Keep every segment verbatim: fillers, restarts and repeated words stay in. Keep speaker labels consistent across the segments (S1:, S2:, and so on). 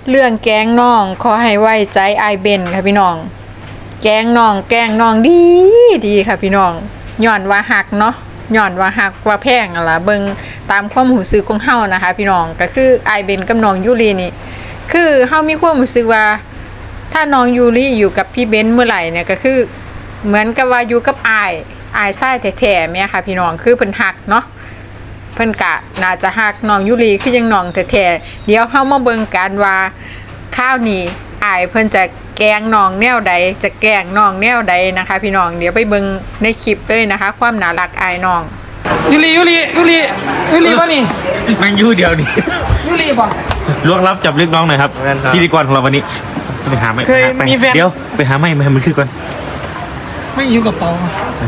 S1: เรื่องแกล้งน้องขอให้ไว้ใจไอเบนค่ะพี่น้องแกล้งน้องแกล้งน้องดีดีค่ะพี่น้องย้อนว่าหักเนาะย้อนว่าหักว่าแพงอะล่ะเบิ่งตามความรู้สึกของเฮานะคะพี่น้องก็คือไอเบนกับน้องยูรีนี่คือเฮามีความรู้สึกว่าถ้าน้องยูรีอยู่กับพี่เบนเมื่อไหร่เนี่ยก็คือเหมือนกับว่าอยู่กับอายอายชายแท้ๆแม่ค่ะพี่น้องคือเพิ่นหักเนาะเพิ่นกะน่าจะหักน้องยูรีคือยังน้องแท้ๆเดี๋ยวเฮามาเบิ่งกันว่าข้าวนี้อายเพิ่นจะแกล้งน้องแนวใดจะแกล้งน้องแนวใดนะคะพี่น้องเดี๋ยวไปเบิ่งในคลิปเลยนะคะความน่ารักอายน้อง
S2: ยูรียูรียูรียูรีป่ะนี่
S3: แม่งยู่เดียวนี่
S2: ยูรีป่ะ
S3: ล่วงลับจับลึกน้องหน่อยครับพิธีกรของเราวันนี้ไปหาไม่เดี๋ยวไปหาไม่มาให้มันขึ้นก่อน
S2: ไม่อยู่กับเปา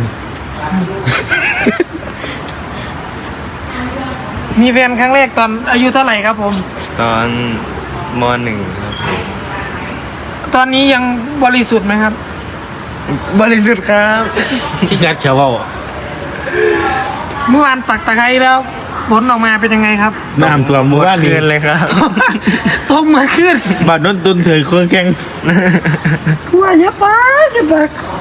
S2: มีแฟนครั้งแรกตอนอายุเท่าไหร่ครับผม
S4: ตอนมหนึ่งครับ
S2: ตอนนี้ยังบริสุทธิ์ไหมครับ
S4: บริสุทธิ์ครับ
S3: ที่งัดเขียวว่า
S2: เมื่อวานปักตะไคร้แล้วผลออกมาเป็นยังไงครับ
S3: น้ำตัวมัว
S4: คืนเลยครับ
S2: ต้มมาขึ้น
S3: บาดน้นตุนเถื่อนเครื่องแกง
S2: กลัวเยอะไปเยอะไป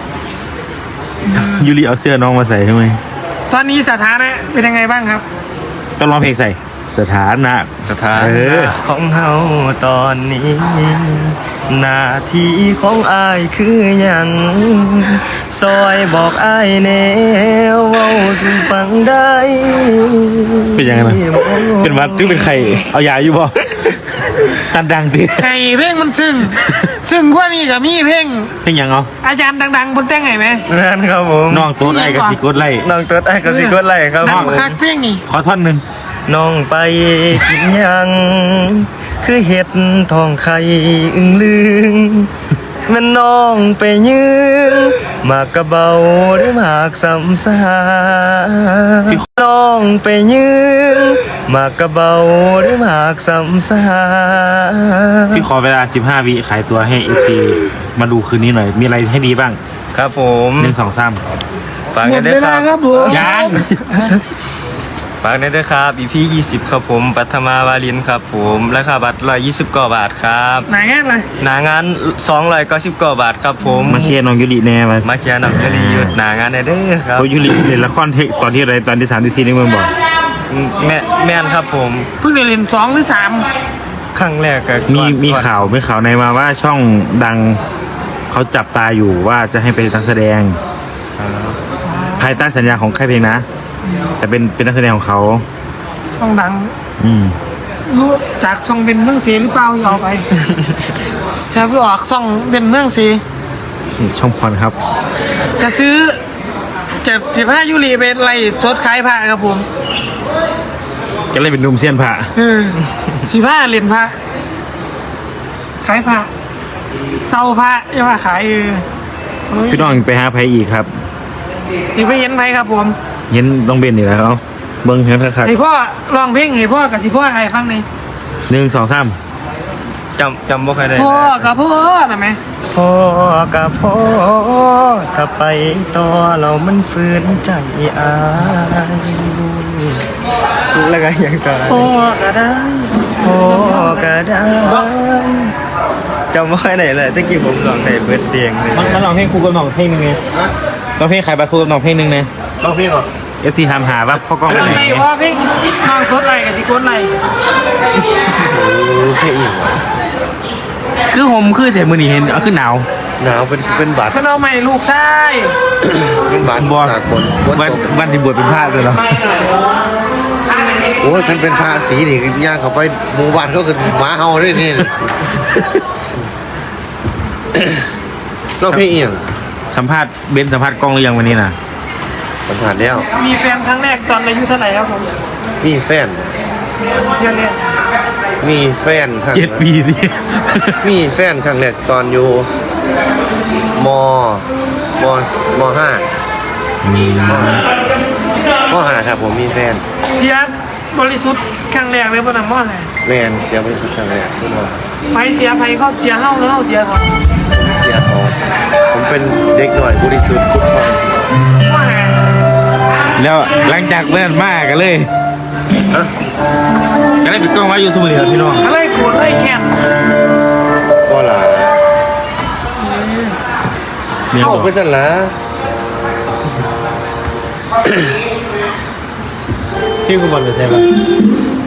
S3: ยูริเอาเสื้อน้องมาใส่ใช่ไหม
S2: ตอนนี้สถานะเป็นยังไงบ้างครับ
S3: ต้องร้องเพลงใส่สถานะ
S4: สถานะของเฮาตอนนี้หน้าที่ของอายคืออย่างซอยบอกอายแนวเว้าสู่ฟังได้
S3: เป็นยังไงนะเป็นวัดหรือเป็นใครเอายาอยู่บ่ตันดังดิ
S2: ไข่เพลงมันซึ่งซึ่งกว่านี้กับมีเพลง
S3: เพลงยังเอา
S2: อาจารย์ดังๆบนแต่งไงไหม
S4: นั่นครับผม
S3: น้องตัวไอ้กับสิกดไล่
S4: น้องตัวไอ้กับสิกดไล่ครับ
S2: น้องคักเพลงนี่
S3: ขอท่อนหนึ่ง
S4: น้องไปกินยังคือเห็ดทองไข่อึ้งลึงมันน้องไปยืนมากระเบาหรือมากสำสาน้องไปยืนมากระเบาหรือมากสำสา
S3: พี่ขอเวลาสิบห้าวิขายตัวให้ เอฟ ซี มาดูคืนนี้หน่อยมีอะไรให้ดีบ้าง
S4: ครับผม
S3: หนึ่งสองสาม
S4: ฝากกันด้วย
S2: ครับ
S3: ยัง
S4: ฝากด้วยครับ อี พี ยี่สิบครับผมปัทมาวาลินครับผมราคาบัตรหนึ่งร้อยยี่สิบกว่าบาทครับ
S2: หนางานเลย
S4: หนางานสองร้อยเก้าสิบกว่าบาทครับผม
S3: มาเชียร์น้องยูริแน่มา
S4: มาเชียร์น้องยูริหยุดหนางานเด้อครับ
S3: ยูริเล่นละครเทคตอนที่อะไรตอนที่สามที่สี่นี่มึงบอก
S4: แม่แม่นครับผม
S2: เพิ่งเล่นสองหรือสาม
S4: ครั้งแรกก็
S3: มีมีข่าวไม่ข่าวในมาว่าช่องดังเขาจับตาอยู่ว่าจะให้เป็นนักแสดงภายใต้สัญญาของค่ายเพลงนะแต่เป็นเป็นนักแสดงของเขา
S2: ช่องดัง
S3: อืม
S2: รู้จากช่องเป็นเมืองเสียหรือเปล่าเอาไปใช่เพื่อออกช่องเป็นเมืองเสีย
S3: ช่องพรครับ
S2: จะซื้อจะสิบห้ายูรีเป็นไรชดขายผ้าครับผม
S3: ก็เลยเป็นนุ่มเซียนผ้า
S2: เออสิบห้าเหรียญผ้าขายผ้าเศร้าผ้ายังว่าขายเออ
S3: พี่น้องไปหาไผอีกครับ
S2: ที่ไปเห็นไผครับผม
S3: เห็นต้องเบนอีกแล้วเบิ้งเห็นครับ
S2: ให้พ่อลองเพลงให้พ่อกับสิพ่อใครฟังหน่อย
S3: หนึ่งสองสาม
S4: จำจำบ่ใครได้
S2: พ่อกับพ่อได้ไหม
S4: พ่อกับพ่อถ้าไปต่อเรามันฝืนใจอายแล้วก็ยังต่อ
S2: พ่อก็ได้
S4: พ่อก็ได้จำบ่ใครได้เลยตะกี้ผมลองได้เบิดเตียงเลย
S3: มันลองเพลงครูกับน้องเพลงนึงไงลองเพลงขายบัตรครูกับน้องเพลงนึงไง
S4: ลองเพลงเหรอ
S3: เอฟซีทำหาว่าพ่อกล้องไปไหน
S2: เพราะเพลงน้องกดไลค์กับสิกดไลค์
S4: เพลงอีก
S3: คือผมคือเสียมือหนีเห็นเอาขึ้นหนาว
S4: หนาวเป็นเป็นบาด
S2: เพื่อนเอาใหม่ลูกชาย
S4: เป็นบาดตากฝน
S3: วันวันที่บวชเป็นพระเลยเหรอ
S4: โอ้ยมันเป็นพระสีนี่ย่างเข้าไปหมู่บ้านเขาก็หมาเห่าด้วยนี่นอกเพลงอีก
S3: สัมภาษณ์เบนสัมภาษณ์กล้องหรือยังวันนี้นะ
S4: สัมภาษณ์แล้ว
S2: มีแฟนครั้งแรกตอนอายุเท่าไหร่ครับผม
S4: มีแฟน
S2: เยอะเลย
S4: มีแฟนครั้ง
S3: เจ็ดปีสิ
S4: มีแฟนครั้งแรกตอนอยู่มมมห้ามีมมห้าครับผมมีแฟน
S2: เสียบริสุทธิ์ครั้งแรกเลยป่ะน้ำมอดเลย
S4: แมนเสียบริสุทธิ์ครั้งแรกทุกคน
S2: ไปเสียไปเขาเสียเฮ้าแล้วเขาเสียเขา
S4: เสียเขาผมเป็นเด็กหน่อยบริสุทธิ์ทุกคน
S3: แล้วหลังจากเลื่อนมากกันเลยก็ได้ปิดกล้องไว้อยู่สมุทรครับพี่น้อง
S2: อะไรโกรธอะไรแค้น
S3: บ
S4: อ
S3: อ
S4: อก กไปสั่นละ
S2: พี่กูบอลเลยใช่ปะ